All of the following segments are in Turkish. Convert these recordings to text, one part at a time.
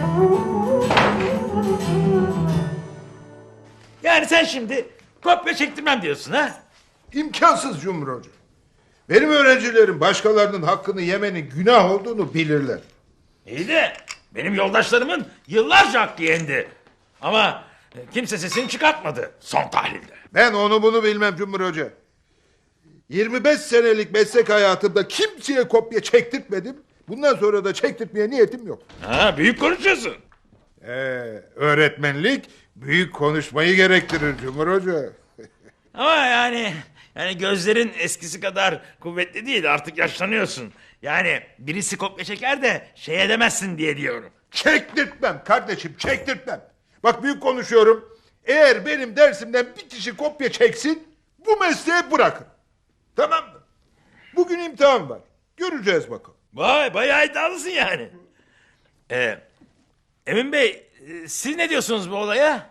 Yani sen şimdi kopya çektirmem diyorsun ha? İmkansız Cumhur Hoca. Benim öğrencilerim başkalarının hakkını yemenin günah olduğunu bilirler. İyi de benim yoldaşlarımın yıllarca hakkı yendi. Ama kimse sesini çıkartmadı son tahlilde. Ben onu bunu bilmem Cumhur Hoca. 25 senelik meslek hayatımda kimseye kopya çektirtmedim. Bundan sonra da çektirtmeye niyetim yok. Ha, büyük konuşuyorsun. Öğretmenlik büyük konuşmayı gerektirir Cumhur Hoca. Ama yani gözlerin eskisi kadar kuvvetli değil, artık yaşlanıyorsun. Yani birisi kopya çeker de şey edemezsin diye diyorum. Çektirtmem kardeşim, çektirtmem. Bak büyük konuşuyorum. Eğer benim dersimden bir kişi kopya çeksin, bu mesleği bırakın. Tamam mı? Bugün imtihan var. Göreceğiz bakalım. Vay, bayağı iddialısın yani. Emin Bey, siz ne diyorsunuz bu olaya?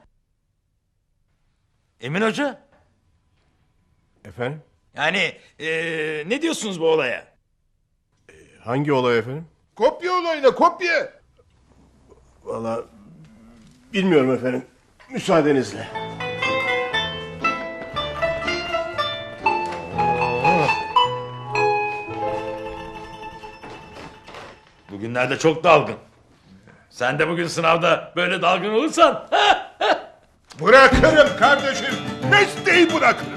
Emin Hoca? Efendim? Yani ne diyorsunuz bu olaya? Hangi olay efendim? Kopya olayına kopya. Vallahi bilmiyorum efendim. Müsaadenizle. Bugünlerde çok dalgın. Sen de bugün sınavda böyle dalgın olursan... Bırakırım kardeşim. Mesleği bırakırım.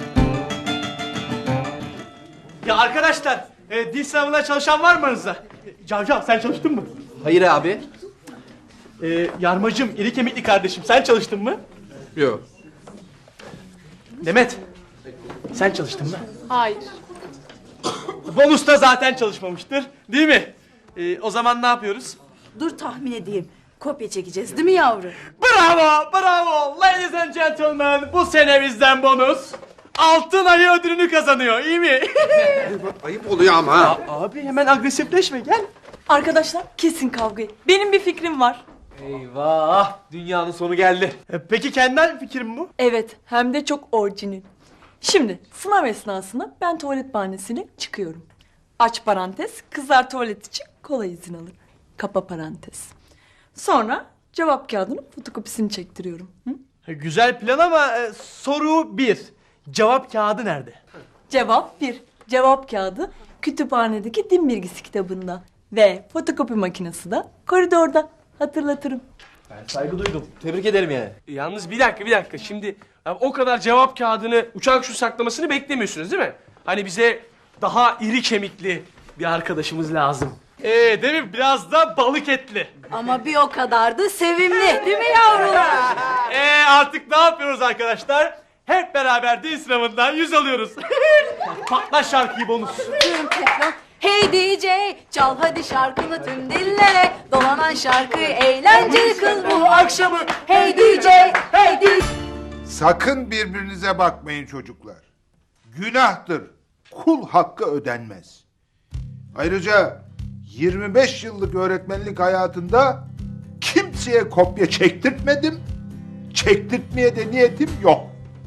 Ya arkadaşlar, dil sınavına çalışan var mı aranızda? Cavcav sen çalıştın mı? Hayır abi. Yarmacım, iri kemikli kardeşim sen çalıştın mı? Yok. Demet, sen çalıştın mı? Hayır. Bonus da zaten çalışmamıştır, değil mi? O zaman ne yapıyoruz? Dur tahmin edeyim. Kopya çekeceğiz değil mi yavru? Bravo, bravo. Ladies and gentlemen, bu sene bizden bonus. Altın ayı ödülünü kazanıyor, iyi mi? Ayıp oluyor ama ha. Abi hemen agresifleşme, gel. Arkadaşlar kesin kavgayı. Benim bir fikrim var. Eyvah, dünyanın sonu geldi. Peki kendi fikrim bu? Evet, hem de çok orijinal. Şimdi sınav esnasında ben tuvalet bahanesiyle çıkıyorum. Aç parantez, kızlar tuvalet için kola izin alır. Kapa parantez. Sonra cevap kağıdının fotokopisini çektiriyorum. Hı? Güzel plan ama soru 1. Cevap kağıdı nerede? Cevap 1. Cevap kağıdı kütüphanedeki din bilgisi kitabında. Ve fotokopi makinesi de koridorda. Hatırlatırım. Saygı duydum. Tebrik ederim yani. Yalnız bir dakika. Şimdi o kadar cevap kağıdını uçak şu saklamasını beklemiyorsunuz değil mi? Hani bize daha iri kemikli bir arkadaşımız lazım. Değil mi? Biraz da balık etli. Ama bir o kadar da sevimli. Değil mi yavrular? Artık ne yapıyoruz arkadaşlar? Hep beraber dil sınavından 100 alıyoruz. Patla şarkıyı bonus. Hey DJ, çal hadi şarkını tüm dillere. Dolanan şarkıyı eğlenceli kıl bu akşamı. Hey DJ, hey DJ. Sakın birbirinize bakmayın çocuklar. Günahtır. Kul hakkı ödenmez. Ayrıca 25 yıllık öğretmenlik hayatında kimseye kopya çektirtmedim. Çektirtmeye de niyetim yok.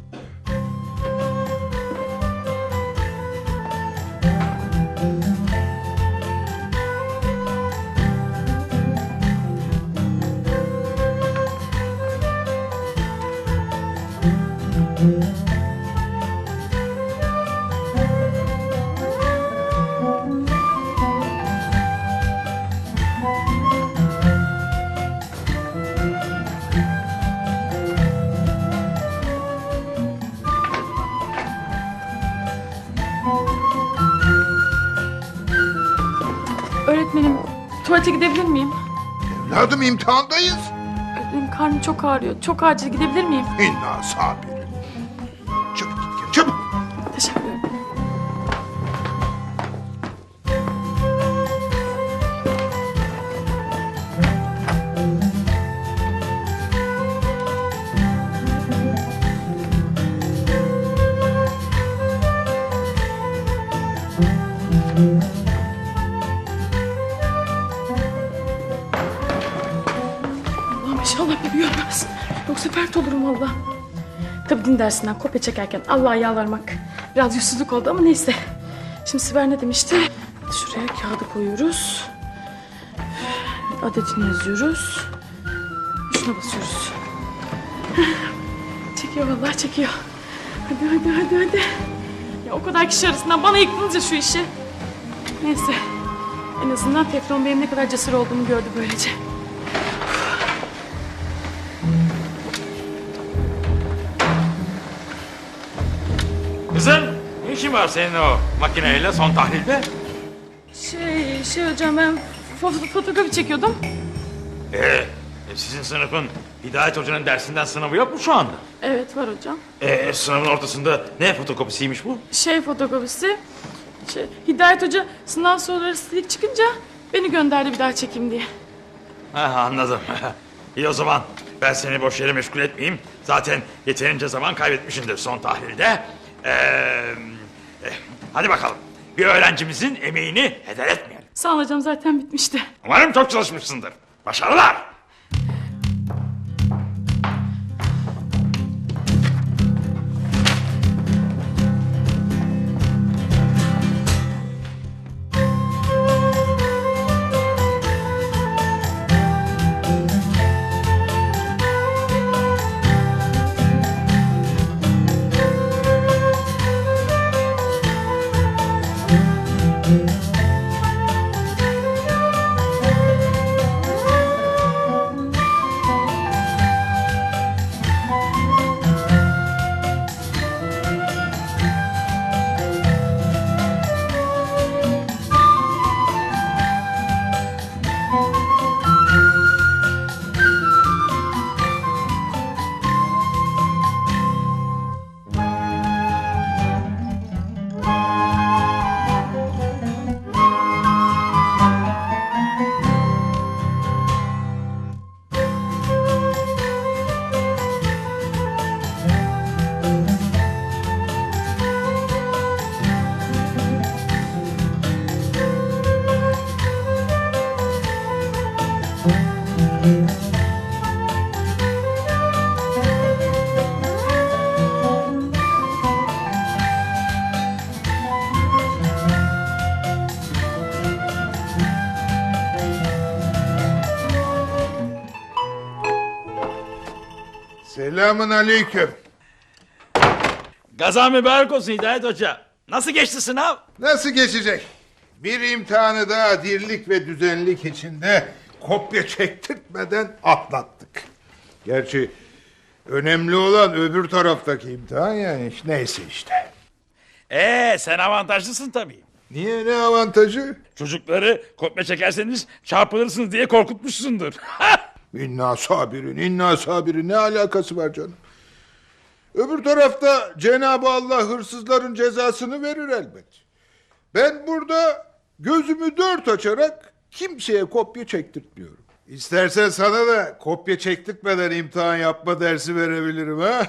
Öğretmenim, tuvalete gidebilir miyim? Evladım imtihandayız. Öğretmenim karnım çok ağrıyor. Çok acil gidebilir miyim? İnna sabirin. Çabuk git gel çabuk. Teşekkür ederim. Allah'ım inşallah bir görmez. Yoksa fert olurum valla. Tabii din dersinden kopya çekerken Allah'a yalvarmak biraz yüzsüzlük oldu ama neyse. Şimdi Sibel ne demişti? Şuraya kağıdı koyuyoruz. Adetini yazıyoruz. tuşuna basıyoruz. Çekiyor vallahi çekiyor. Hadi. Ya o kadar kişi arasından bana yıktınız şu işi. Neyse. En azından Teflon benim ne kadar cesur olduğumu gördü böylece. Kızım, ne işin var senin o makineyle son tahlilde? Şey hocam ben fotokopi çekiyordum. Sizin sınıfın Hidayet Hoca'nın dersinden sınavı yok mu şu anda? Evet var hocam. Sınavın ortasında ne fotokopisiymiş bu? Fotokopisi. Hidayet Hoca sınav soruları silik çıkınca beni gönderdi bir daha çekeyim diye. Ha, anladım. İyi o zaman ben seni boş yere meşgul etmeyeyim. Zaten yeterince zaman kaybetmişsindir son tahlilde. Hadi bakalım. Bir öğrencimizin emeğini heder etmeyelim. Sağ ol hocam zaten bitmişti. Umarım çok çalışmışsındır. Başarılar. Selamun aleyküm. Gazan mübarek olsun Hidayet Hoca. Nasıl geçti sınav? Nasıl geçecek? Bir imtihanı daha dirlik ve düzenlik içinde kopya çektirtmeden atlattık. Gerçi önemli olan öbür taraftaki imtihan yani. Neyse işte. Sen avantajlısın tabii. Niye, ne avantajı? Çocukları kopya çekerseniz çarpılırsınız diye korkutmuşsundur. İnna sabirin ne alakası var canım? Öbür tarafta Cenab-ı Allah hırsızların cezasını verir elbet. Ben burada gözümü dört açarak kimseye kopya çektirtmiyorum. İstersen sana da kopya çektirtmeden imtihan yapma dersi verebilirim ha.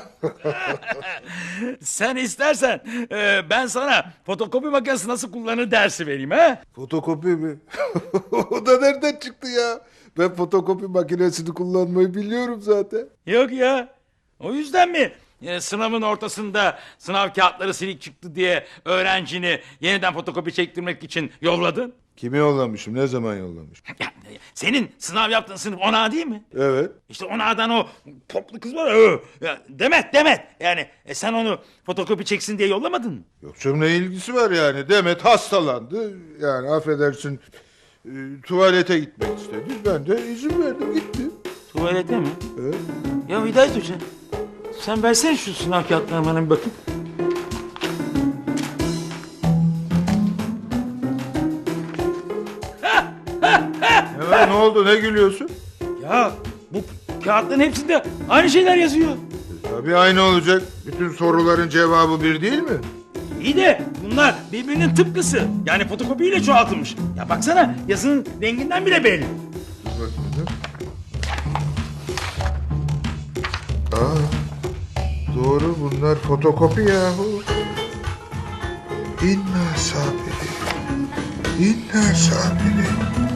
Sen istersen ben sana fotokopi makinesi nasıl kullanılır dersi vereyim ha? Fotokopi mi? O da nereden çıktı ya? Ben fotokopi makinesini kullanmayı biliyorum zaten. Yok ya. O yüzden mi sınavın ortasında sınav kağıtları silik çıktı diye öğrencini yeniden fotokopi çektirmek için yolladın? Kimi yollamışım? Ne zaman yollamışım? Senin sınav yaptığın sınıf 10A değil mi? Evet. İşte 10A'dan o toplu kız var. Demet. Yani sen onu fotokopi çeksin diye yollamadın mı? Yoksa ne ilgisi var yani? Demet hastalandı. Yani affedersin tuvalete gitmek istedi. Ben de izin verdim gitti. Tuvalete mi? Evet. Ya Hidayet Hoca sen versene şu sınav kağıtlarına bana bir bakayım. Ne oldu, ne gülüyorsun? Ya bu kağıtların hepsinde aynı şeyler yazıyor. Tabii aynı olacak. Bütün soruların cevabı bir değil mi? İyi de bunlar birbirinin tıpkısı. Yani fotokopiyle çoğaltılmış. Ya baksana yazının renginden bile belli. Doğru, bunlar fotokopi yahu. İnna sabiri.